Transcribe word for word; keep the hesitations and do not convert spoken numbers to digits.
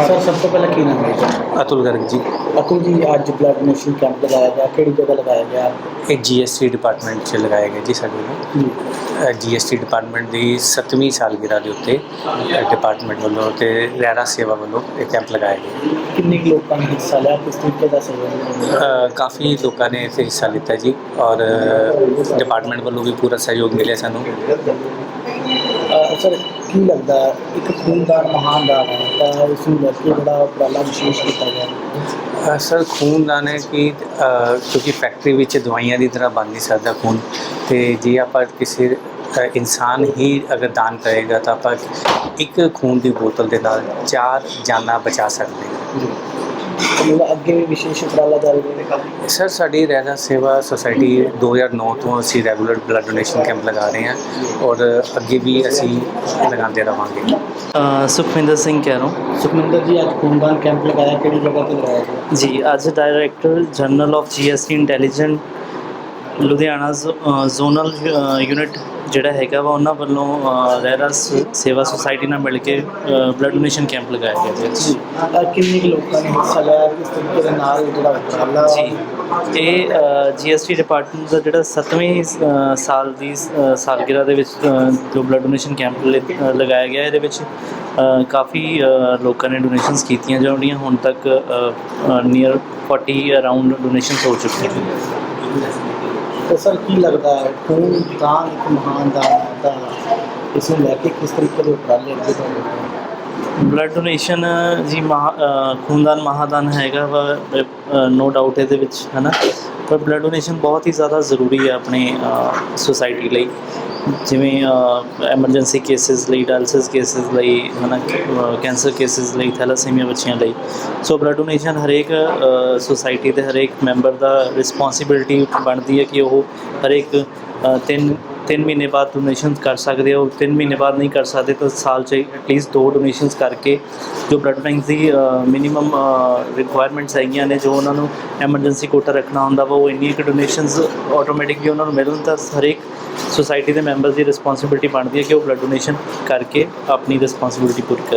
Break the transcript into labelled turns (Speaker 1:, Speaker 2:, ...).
Speaker 1: Sir सब तो पहले की नाम है?
Speaker 2: अतुल गर्ग जी।
Speaker 1: अतुल जी, आज ब्लड डोनेशन कैंप लगाया गया, किहड़ी जगह लगाया गया?
Speaker 2: ਇਹ ਜੀ ਐਸ ਟੀ ਡਿਪਾਰਟਮੈਂਟ 'ਚ ਲਗਾਇਆ ਗਿਆ ਜੀ ਸਾਡੇ
Speaker 1: जी
Speaker 2: ਨੂੰ। ਜੀ ਐਸ ਟੀ ਡਿਪਾਰਟਮੈਂਟ ਦੀ ਸੱਤਵੀਂ ਸਾਲਗਿਰਾ ਦੇ ਉੱਤੇ ਡਿਪਾਰਟਮੈਂਟ ਵੱਲੋਂ ਅਤੇ ਰਹਿਰਾ ਸੇਵਾ ਵੱਲੋਂ ਇਹ ਕੈਂਪ ਲਗਾਇਆ ਗਿਆ।
Speaker 1: किन्ने कुछ लोगों ने हिस्सा लिया, किस तरीके का सहयोग?
Speaker 2: ਅ, ਕਾਫੀ ਲੋਕਾਂ ਨੇ ਇੱਥੇ ਹਿੱਸਾ ਲਿੱਤਾ ਜੀ ਔਰ ਡਿਪਾਰਟਮੈਂਟ ਵੱਲੋਂ ਵੀ ਪੂਰਾ ਸਹਿਯੋਗ ਮਿਲਿਆ ਸਾਨੂੰ।
Speaker 1: सर की लगता है एक खूनदान महान दान है, तो इस लड़के बड़ा उपराला विशेष किया गया?
Speaker 2: ਅ, ਸਰ ਖੂਨਦਾਨ ਹੈ ਕਿ ਅ, ਕਿਉਂਕਿ ਫੈਕਟਰੀ ਵਿੱਚ ਦਵਾਈਆਂ ਦੀ ਤਰ੍ਹਾਂ ਬਣ ਨਹੀਂ ਸਕਦਾ ਖੂਨ, ਅਤੇ ਜੇ ਆਪਾਂ ਕਿਸੇ ਅ, ਇਨਸਾਨ ਹੀ ਅਗਰ ਦਾਨ ਕਰੇਗਾ ਤਾਂ ਆਪਾਂ ਇੱਕ ਖੂਨ ਦੀ ਬੋਤਲ ਦੇ ਨਾਲ ਚਾਰ ਜਾਨਾਂ ਬਚਾ ਸਕਦੇ ਹਾਂ।
Speaker 1: जी मतलब अगे भी विशेष उपराला जारी रहेगा?
Speaker 2: ਸਰ ਸਾਡੀ ਰਹਿਰਾ ਸੇਵਾ ਸੁਸਾਇਟੀ ਦੋ ਹਜ਼ਾਰ ਨੌ ਤੋਂ ਅਸੀਂ ਰੈਗੂਲਰ ਬਲੱਡ ਡੋਨੇਸ਼ਨ ਕੈਂਪ ਲਗਾ ਰਹੇ ਹਾਂ ਔਰ ਅੱਗੇ ਵੀ ਅਸੀਂ ਲਗਾਉਂਦੇ ਰਹਾਂਗੇ।
Speaker 3: ਅ, ਸੁਖਵਿੰਦਰ ਸਿੰਘ ਕੈਰੋਂ
Speaker 1: सुखमिंदर जी, आज खूनदान कैंप लगाया, किहड़ी जगह पर लगाया गया?
Speaker 3: ਜੀ। ਅੱਜ director general of G S T intelligent Ludhiana zo- uh, zonal uh, unit ਜਿਹੜਾ ਹੈਗਾ ਵਾ ਉਹਨਾਂ ਵੱਲੋਂ ਅ, ਰਹਿਰਾ ਸ- ਸੇਵਾ ਸੁਸਾਇਟੀ ਨਾਲ ਮਿਲ ਕੇ ਬਲੱਡ ਡੋਨੇਸ਼ਨ ਕੈਂਪ ਲਗਾਇਆ ਗਿਆ ਜੀ।
Speaker 1: जी किन्ने कुछ लोगों ने हिस्सा लिया, किस तरीके के नाल जिहड़ा उपराला?
Speaker 3: ਜੀ ਇਹ ਜੀ ਐਸ ਟੀ ਡਿਪਾਰਟਮੈਂਟ ਦਾ ਜਿਹੜਾ ਸੱਤਵੀਂ ਅ, ਸਾਲ ਦੀ ਅ, ਸਾਲਗਿਰਾ ਦੇ ਵਿੱਚ ਅ, ਜੋ ਬਲੱਡ ਡੋਨੇਸ਼ਨ ਕੈਂਪ ਲ- ਲਗਾਇਆ ਗਿਆ, ਇਹਦੇ ਵਿੱਚ ਅ, ਕਾਫੀ ਅ, ਲੋਕਾਂ ਨੇ ਡੋਨੇਸ਼ਨਸ ਕੀਤੀਆਂ ਜਿਹੜੀਆਂ ਹੁਣ ਤੱਕ ਨੀਅਰ फोर्टी ਅਰਾਊਂਡ ਡੋਨੇਸ਼ਨਸ ਹੋ ਚੁੱਕੀਆਂ ਨੇ।
Speaker 1: तो सर की लगता है खूनदान एक महान दान है, तो इस लैके किस तरीके के उपराले अगे बढ़े?
Speaker 3: ਬਲੱਡ ਡੋਨੇਸ਼ਨ ਜੀ ਮਹਾ ਅ, ਖੂਨਦਾਨ ਮਹਾਦਾਨ ਹੈਗਾ ਵਾ, ਨੋ ਡਾਊਟ ਇਹਦੇ ਵਿੱਚ ਹੈ ਨਾ, ਪਰ ਬਲੱਡ ਡੋਨੇਸ਼ਨ ਬਹੁਤ ਹੀ ਜ਼ਿਆਦਾ ਜ਼ਰੂਰੀ ਹੈ ਆਪਣੀ ਸੁਸਾਇਟੀ ਲਈ। ਜਿਵੇਂ ਐਮਰਜੈਂਸੀ ਕੇਸਿਸ ਲਈ, ਡਾਇਲਸਿਸ ਕੇਸਿਸ ਲਈ ਹੈ ਨਾ, ਕੈਂਸਰ ਕੇਸਿਸ ਲਈ, ਥੈਲਾਸੀਮੀਆ ਬੱਚਿਆਂ ਲਈ। ਸੋ ਬਲੱਡ ਡੋਨੇਸ਼ਨ ਹਰੇਕ ਸੁਸਾਇਟੀ ਦੇ ਹਰੇਕ ਮੈਂਬਰ ਦਾ ਰਿਸਪੋਂਸੀਬਿਲਿਟੀ ਬਣਦੀ ਹੈ ਕਿ ਉਹ ਹਰੇਕ ਅ, ਤਿੰਨ ਤਿੰਨ ਮਹੀਨੇ ਬਾਅਦ ਡੋਨੇਸ਼ਨ ਕਰ ਸਕਦੇ ਹੋ। ਤਿੰਨ ਮਹੀਨੇ ਬਾਅਦ ਨਹੀਂ ਕਰ ਸਕਦੇ ਤਾਂ ਸਾਲ 'ਚ ਐਟਲੀਸਟ ਦੋ ਡੋਨੇਸ਼ਨਸ ਕਰਕੇ ਜੋ ਬਲੱਡ ਬੈਂਕ ਦੀ ਮਿਨੀਮਮ ਰਿਕੁਆਇਰਮੈਂਟਸ ਹੈਗੀਆਂ ਨੇ, ਜੋ ਉਹਨਾਂ ਨੂੰ ਐਮਰਜੈਂਸੀ ਕੋਟਾ ਰੱਖਣਾ ਹੁੰਦਾ ਵਾ, ਉਹ ਇੰਨੀਆਂ ਕੁ ਡੋਨੇਸ਼ਨਸ ਆਟੋਮੈਟਿਕਲੀ ਉਹਨਾਂ ਨੂੰ ਮਿਲਣ ਤਾਂ ਹਰੇਕ ਸੁਸਾਇਟੀ ਦੇ ਮੈਂਬਰਸ ਦੀ ਰਿਸਪੋਂਸੀਬਿਲਿਟੀ ਬਣਦੀ ਹੈ ਕਿ ਉਹ ਬਲੱਡ ਡੋਨੇਸ਼ਨ ਕਰਕੇ ਆਪਣੀ ਰਿਸਪੋਂਸੀਬਿਲਿਟੀ ਪੂਰੀ ਕਰਨ।